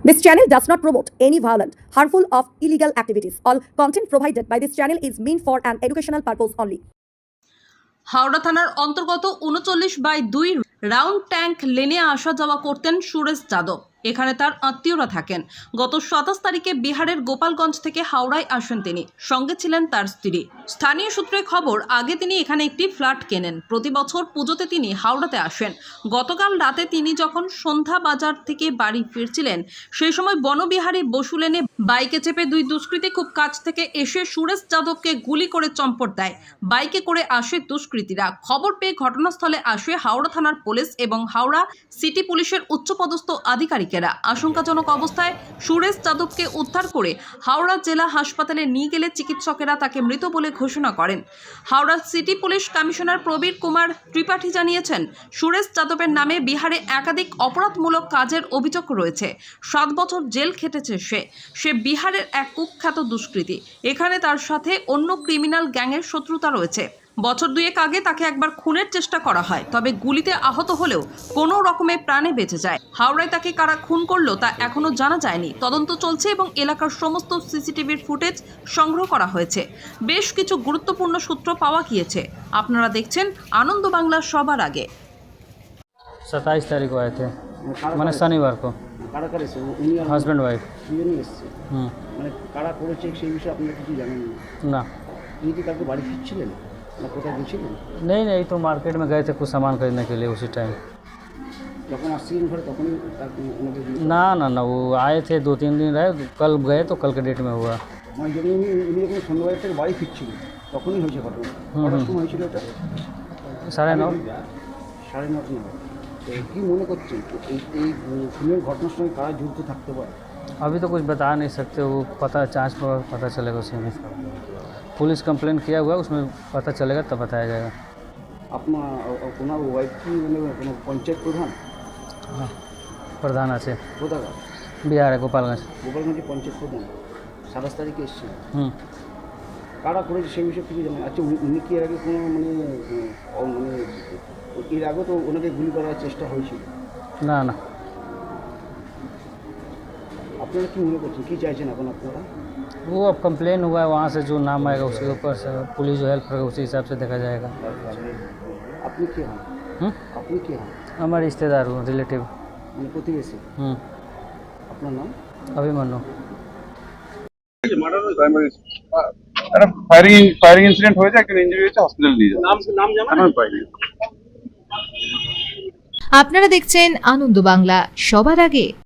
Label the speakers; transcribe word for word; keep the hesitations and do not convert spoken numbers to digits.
Speaker 1: This channel does not promote any violent, harmful, or illegal activities. All content provided by this channel is meant for an educational purpose only.
Speaker 2: Howrah থানার অন্তর্গত উনচল্লিশ by দুই round tank লেনে আসা যাওয়া করতেন সুরেশ যাদব। এখানে তার আত্মীয়রা থাকেন। গত সাতাশ তারিখে বিহারের গোপালগঞ্জ থেকে হাওড়ায় আসেন তিনি, সঙ্গে ছিলেন তার স্ত্রী। স্থানীয় সূত্রে খবর, আগে তিনি এখানে একটি ফ্ল্যাট কেনেন। প্রতি বছর পুজোতে তিনি হাওড়াতে আসেন। গতকাল রাতে তিনি যখন সন্ধ্যা বাজার থেকে বাড়ি ফিরছিলেন, সেই সময় বনবিহারী বসু লেনে বাইকে চেপে দুই দুষ্কৃতী খুব কাছ থেকে এসে সুরেশ যাদবকে গুলি করে চম্পট দেয়। বাইকে করে আসে দুষ্কৃতীরা। খবর পেয়ে ঘটনাস্থলে আসে হাওড়া থানার পুলিশ এবং হাওড়া সিটি পুলিশের উচ্চপদস্থ আধিকারিকেরা। আশঙ্কাজনক অবস্থায় সুরেশ যাদবকে উদ্ধার করে হাওড়া জেলা হাসপাতালে নিয়ে গেলে চিকিৎসকেরা তাকে মৃত বলে ঘোষণা করেন। Howrah city police commissioner Prabir Kumar Tripathi জানিয়েছেন, সুরেশ যাদবের নামে বিহারে একাধিক অপরাধমূলক কাজের অভিযোগ রয়েছে। সাত বছর জেল খেটেছে সে সে বিহারের এক কুখ্যাত দুষ্কৃতী। এখানে তার সাথে অন্য ক্রিমিনাল গ্যাংয়ের শত্রুতা রয়েছে। বছর দুয়েক আগে তাকে একবার খুনের চেষ্টা করা হয়, তবে গুলিতে আহত হলেও কোনো রকমে প্রাণে বেঁচে যায়। হাওড়ায় তাকে কারা খুন করলো তা এখনো জানা যায়নি। তদন্ত চলছে এবং এলাকার সমস্ত সিসিটিভির ফুটেজ সংগ্রহ করা হয়েছে। বেশ কিছু গুরুত্বপূর্ণ সূত্র পাওয়া গিয়েছে। আপনারা দেখছেন আনন্দ বাংলা সবার আগে।
Speaker 3: सत्ताईस तारीख को आए थे, मैंने शनिवार को।
Speaker 4: কারা কারা এসেছে? উনি আর
Speaker 3: हस्बैंड वाइफ।
Speaker 4: দুজনই এসেছে।
Speaker 3: হুম
Speaker 4: মানে কারা করেছে সেই বিষয়ে আপনারা কিছু জানেন না?
Speaker 3: ना
Speaker 4: তিনি কি কালকে বাড়ি ফিরছিলেন না কোথায় গেছিলেন?
Speaker 3: नहीं नहीं, तो मार्केट में गए थे कुछ सामान खरीदने के लिए उसी टाइम।
Speaker 4: যখন আসছিলেন ঘরে তখনই তার ওনাকে দিয়ে-
Speaker 3: ना ना ना, वो आए थे दो तीन दिन रहे, कल गए तो कल के डेट में हुआ।
Speaker 4: মানে যখন উনি উনি যখন সন্ধ্যাবেলা থেকে বাড়ি ফিরছিলেন তখনই হয়েছে ঘটনা।
Speaker 3: হুম,
Speaker 4: কটার
Speaker 3: হুম।
Speaker 4: সময় হয়েছিল এটা?
Speaker 3: साढ़े नौ।
Speaker 4: সাড়ে নটা নাগাদ। তো কী মনে করছেন এই এই খুনের ঘটনার সঙ্গে কারা যুক্ত থাকতে পারে?
Speaker 3: अभी तो कुछ बता नहीं सकते, वो पता जांच पर पता चलेगा उसी में। पुलिस कंप्लेन किया हुआ है, उसमें पता चलेगा तब बताया जाएगा।
Speaker 4: আপনার ওনার ওয়াইফ কি মানে কোনো পঞ্চায়েত প্রধান?
Speaker 3: हाँ, प्रधान আছে
Speaker 4: কোথাকার?
Speaker 3: बिहार है, गोपालगंज।
Speaker 4: গোপালগঞ্জে পঞ্চায়েত প্রধান সাতাশ তারিখে এসেছেন।
Speaker 3: হুম
Speaker 4: কারা করেছে সেই বিষয়ে কিছু জানেন? আচ্ছা উনি- উনি কি এর আগে কোনো মানে উম, মানে এর আগে তো ওনাকে গুলি করার চেষ্টা হয়েছিল।
Speaker 3: না না,
Speaker 4: আপনারা কি মনে করছেন, কী চাইছেন এখন আপনারা?
Speaker 3: वो अब कंप्लेन हुआ है, वहाँ से जो नाम आएगा उसके ऊपर से पुलिस जो हेल्प करेगा उसी हिसाब से देखा जाएगा।
Speaker 4: আপনি কে হন?
Speaker 3: হুম
Speaker 4: আপনি কে হন?
Speaker 3: हमारे रिश्तेदार हूँ, रिलेटिव।
Speaker 4: মানে প্রতিবেশী।
Speaker 3: হুম
Speaker 4: আপনার নাম?
Speaker 3: अभिमन्यु।
Speaker 5: একটা ফায়ারিং ফায়ারিং ইনসিডেন্ট হয়েছে, একটা ইনজুরি হয়েছে, হসপিটাল নিয়ে যাওয়া।
Speaker 4: নাম নাম জানেন?
Speaker 5: আমি পাইনি।
Speaker 6: আপনারা দেখছেন আনন্দ বাংলা সবার আগে।